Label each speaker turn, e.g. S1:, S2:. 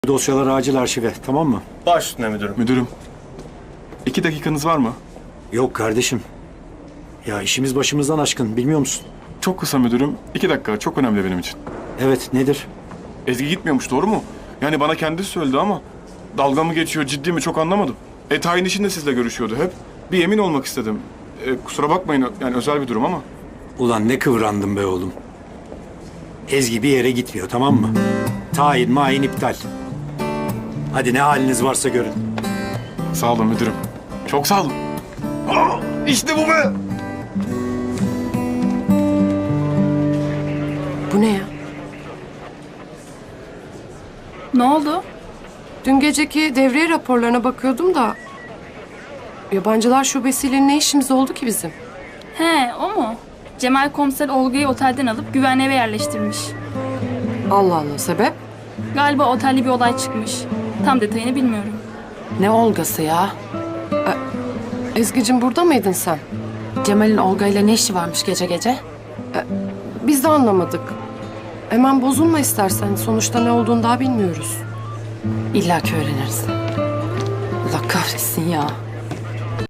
S1: Dosyaları acil arşive, tamam mı?
S2: Baş üstüne müdürüm.
S3: Müdürüm, 2 dakikanız var mı?
S1: Yok kardeşim. Ya işimiz başımızdan aşkın, bilmiyor musun?
S3: Çok kısa müdürüm. 2 dakika, çok önemli benim için.
S1: Evet, nedir?
S3: Ezgi gitmiyormuş, doğru mu? Yani bana kendisi söyledi ama dalga mı geçiyor, ciddi mi çok anlamadım. Tayin işinde sizle görüşüyordu hep. Bir emin olmak istedim. Kusura bakmayın, yani özel bir durum ama.
S1: Ulan ne kıvrandın be oğlum. Ezgi bir yere gitmiyor, tamam mı? Tayin mayin iptal. Hadi ne haliniz varsa görün.
S3: Sağ olun müdürüm. Çok sağ olun. İşte bu be!
S4: Bu ne ya?
S5: Ne oldu?
S4: Dün geceki devriye raporlarına bakıyordum da... Yabancılar şubesiyle ne işimiz oldu ki bizim?
S5: He, o mu? Cemal komiser Olga'yı otelden alıp güvenli eve yerleştirmiş.
S4: Allah Allah, sebep?
S5: Galiba otelde bir olay çıkmış. Tam detayını bilmiyorum.
S6: Ne Olga'sı ya?
S4: Ezgi'cim burada mıydın sen?
S6: Cemal'in Olga ile ne işi varmış gece gece?
S4: Biz de anlamadık. Hemen bozulma istersen. Sonuçta ne olduğunu daha bilmiyoruz.
S6: İlla ki öğreniriz. Allah kahretsin ya.